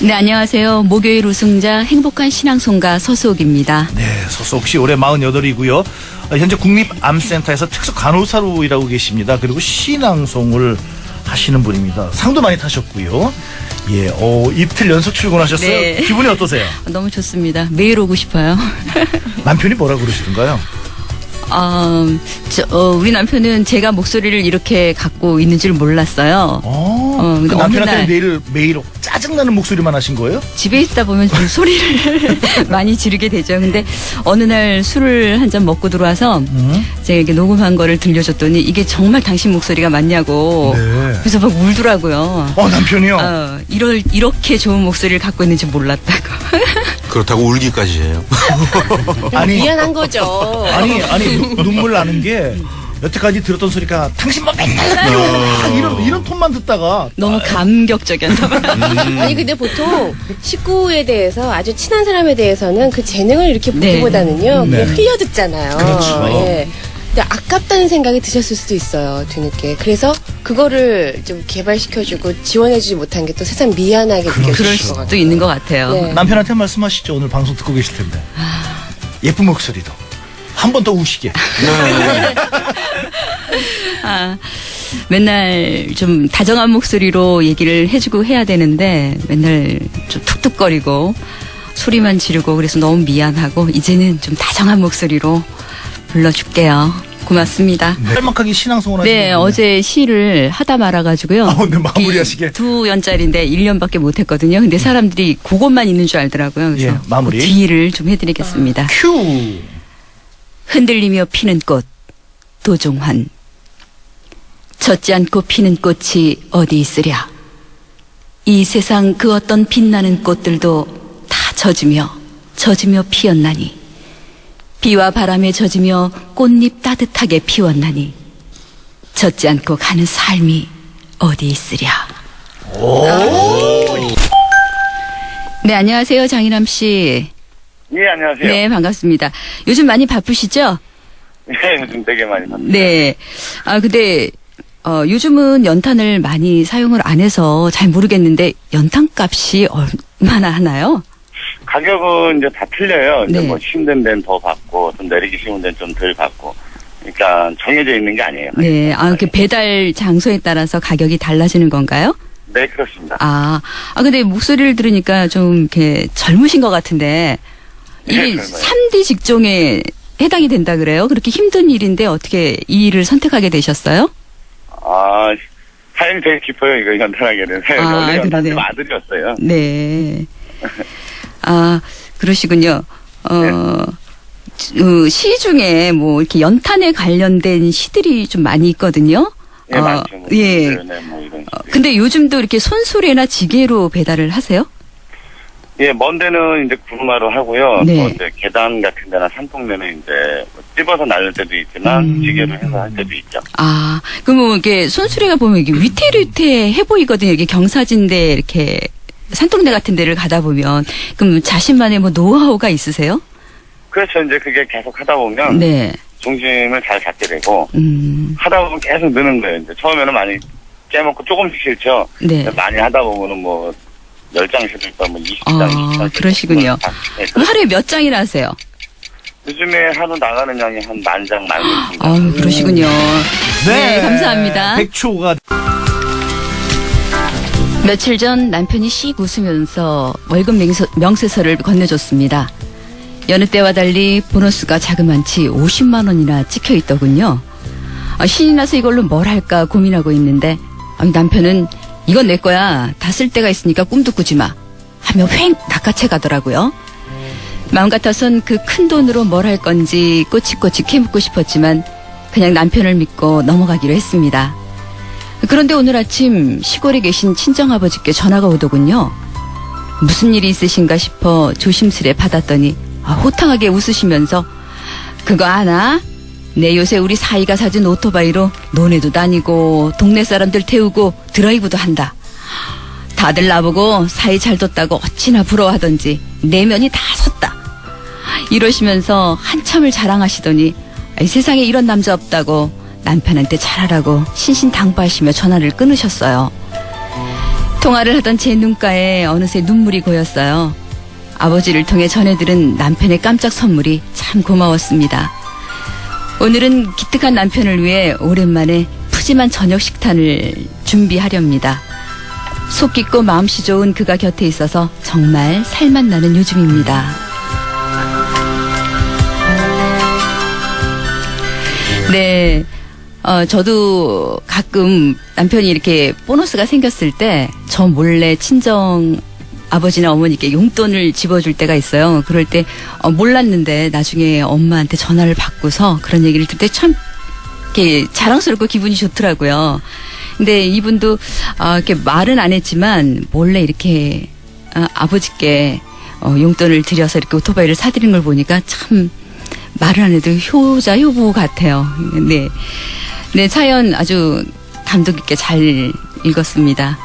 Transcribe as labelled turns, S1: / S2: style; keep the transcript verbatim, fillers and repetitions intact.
S1: 네, 안녕하세요. 목요일 우승자 행복한 신앙송가 서수옥입니다.
S2: 네, 서수옥 씨 올해 마흔여덟이고요. 현재 국립암센터에서 특수 간호사로 일하고 계십니다. 그리고 신앙송을 하시는 분입니다. 상도 많이 타셨고요. 예, 어, 이틀 연속 출근하셨어요.
S1: 네.
S2: 기분이 어떠세요?
S1: 너무 좋습니다. 매일 오고 싶어요.
S2: 남편이 뭐라 그러시던가요?
S1: 어, 저, 어, 우리 남편은 제가 목소리를 이렇게 갖고 있는 줄 몰랐어요.
S2: 어,
S1: 어, 근데
S2: 그
S1: 어느
S2: 남편한테
S1: 날
S2: 매일 매일 짜증나는 목소리만 하신 거예요?
S1: 집에 있다 보면 좀 소리를 많이 지르게 되죠. 근데 어느 날 술을 한 잔 먹고 들어와서
S2: 음?
S1: 제가 이렇게 녹음한 거를 들려줬더니 이게 정말 당신 목소리가 맞냐고.
S2: 네.
S1: 그래서 막 울더라고요.
S2: 어, 남편이요?
S1: 어, 이럴, 이렇게 좋은 목소리를 갖고 있는지 몰랐다고.
S3: 그렇다고 울기까지 해요.
S2: 아니,
S4: 미안한 거죠.
S2: 아니, 아니, 눈- 눈물 나는 게 여태까지 들었던 소리가 당신 뭐 맨날 그래요. 다 이런, 이런 톤만 듣다가
S1: 너무 감격적이었나 봐요.
S4: 아니 근데 보통 식구에 대해서 아주 친한 사람에 대해서는 그 재능을 이렇게
S1: 네.
S4: 보기보다는요
S2: 네.
S4: 그냥 흘려 듣잖아요.
S2: 그렇죠.
S4: 예. 근데 아깝다는 생각이 드셨을 수도 있어요 뒤늦게. 그래서 그거를 좀 개발시켜주고 지원해주지 못한 게 또 세상 미안하게
S2: 그럴
S1: 그럴
S4: 느껴질 것 같아요.
S1: 수도 있는 것 같아요.
S4: 네.
S2: 남편한테 말씀하시죠. 오늘 방송 듣고 계실 텐데. 예쁜 목소리도. 한 번 더 우시게.
S1: 아, 맨날 좀 다정한 목소리로 얘기를 해주고 해야 되는데 맨날 좀 툭툭거리고 소리만 지르고 그래서 너무 미안하고 이제는 좀 다정한 목소리로 불러줄게요. 고맙습니다.
S2: 네. 짤막하게 신앙송을 하시는
S1: 네, 어제 시를 하다 말아가지고요.
S2: 아, 네, 마무리하시게.
S1: 두 연짜리인데 일 년밖에 못했거든요. 근데 사람들이 그것만 있는 줄 알더라고요. 그래서
S2: 예, 마무리.
S1: 그 뒤를 좀 해드리겠습니다.
S2: 큐.
S1: 흔들리며 피는 꽃 도종환. 젖지 않고 피는 꽃이 어디 있으랴. 이 세상 그 어떤 빛나는 꽃들도 다 젖으며 젖으며 피었나니. 비와 바람에 젖으며 꽃잎 따뜻하게 피웠나니. 젖지 않고 가는 삶이 어디 있으랴. 네, 안녕하세요. 장인함 씨.
S5: 예, 안녕하세요.
S1: 네, 반갑습니다. 요즘 많이 바쁘시죠?
S5: 예, 요즘 되게 많이 봤어요.
S1: 네. 아, 근데, 어, 요즘은 연탄을 많이 사용을 안 해서 잘 모르겠는데, 연탄 값이 얼마나 하나요?
S5: 가격은 이제 다 틀려요. 이제
S1: 네.
S5: 뭐 힘든 데는 더 받고, 좀 내리기 쉬운 데는 좀 덜 받고. 그러니까 정해져 있는 게 아니에요.
S1: 네. 아, 그 배달 장소에 따라서 가격이 달라지는 건가요?
S5: 네, 그렇습니다.
S1: 아, 아, 근데 목소리를 들으니까 좀 이렇게 젊으신 것 같은데, 이게
S5: 네, 젊어요.
S1: 삼 디 직종에 해당이 된다 그래요? 그렇게 힘든 일인데 어떻게 이 일을 선택하게 되셨어요?
S5: 아, 사연이 되게 깊어요. 이거 연탄하게 된 사연이.
S1: 아,
S5: 원래 연탄집
S1: 그러네.
S5: 아들이었어요.
S1: 네. 아, 그러시군요. 어,
S5: 네.
S1: 그 시 중에 뭐 이렇게 연탄에 관련된 시들이 좀 많이 있거든요.
S5: 예,
S1: 어,
S5: 많죠. 뭐,
S1: 예.
S5: 네, 뭐 이런
S1: 어,
S5: 식으로.
S1: 근데 요즘도 이렇게 손수레나 지게로 배달을 하세요?
S5: 예, 먼 데는 이제 구루마로 하고요.
S1: 네.
S5: 또 이제 계단 같은 데나 산통면은 이제 뭐 찝어서 날릴 때도 있지만,
S1: 음.
S5: 지게로 해서 할 때도 있죠.
S1: 아, 그럼 뭐 이게 손수레가 보면 이게 위태위태해 보이거든요. 이게 경사진데 이렇게 산동네 같은 데를 가다 보면. 그럼 자신만의 뭐 노하우가 있으세요?
S5: 그렇죠. 이제 그게 계속 하다 보면,
S1: 네.
S5: 중심을 잘 잡게 되고,
S1: 음,
S5: 하다 보면 계속 느는 거예요. 이제 처음에는 많이 깨먹고 조금씩 싫죠.
S1: 네.
S5: 많이 하다 보면은 뭐, 열 장씩 있다, 뭐, 이십 장,
S1: 아,
S5: 이십 장.
S1: 그러시군요. 그럼 하루에 몇 장이나 하세요?
S5: 요즘에 하루 나가는 양이 한 만 장, 만 장.
S1: 아, 그러시군요. 네, 감사합니다.
S2: 백초가.
S1: 며칠 전 남편이 씩 웃으면서 월급 명세, 명세서를 건네줬습니다. 여느 때와 달리 보너스가 자그만치 오십만 원이나 찍혀 있더군요. 아, 신이 나서 이걸로 뭘 할까 고민하고 있는데 아, 남편은 이건 내 거야. 다 쓸 때가 있으니까 꿈도 꾸지 마. 하며 휑 낚아채 가더라고요. 마음 같아선 그 큰 돈으로 뭘 할 건지 꼬치꼬치 캐묻고 싶었지만 그냥 남편을 믿고 넘어가기로 했습니다. 그런데 오늘 아침 시골에 계신 친정아버지께 전화가 오더군요. 무슨 일이 있으신가 싶어 조심스레 받았더니 아, 호탕하게 웃으시면서 그거 아나? 내 요새 우리 사이가 사준 오토바이로 논에도 다니고 동네 사람들 태우고 드라이브도 한다. 다들 나보고 사이 잘 뒀다고 어찌나 부러워하던지 내면이 다 섰다. 이러시면서 한참을 자랑하시더니 아이, 세상에 이런 남자 없다고 남편한테 잘하라고 신신당부하시며 전화를 끊으셨어요. 통화를 하던 제 눈가에 어느새 눈물이 고였어요. 아버지를 통해 전해들은 남편의 깜짝 선물이 참 고마웠습니다. 오늘은 기특한 남편을 위해 오랜만에 푸짐한 저녁 식단을 준비하렵니다. 속 깊고 마음씨 좋은 그가 곁에 있어서 정말 살맛 나는 요즘입니다. 네, 어, 저도 가끔 남편이 이렇게 보너스가 생겼을 때 저 몰래 친정 아버지나 어머니께 용돈을 집어줄 때가 있어요. 그럴 때 어, 몰랐는데 나중에 엄마한테 전화를 받고서 그런 얘기를 들 때 참 이렇게 자랑스럽고 기분이 좋더라고요. 근데 이분도 어, 이렇게 말은 안 했지만 몰래 이렇게 어, 아버지께 어, 용돈을 드려서 이렇게 오토바이를 사드린 걸 보니까 참 말을 안 해도 효자 효부 같아요. 네, 네 사연 아주 감동 있게 잘 읽었습니다.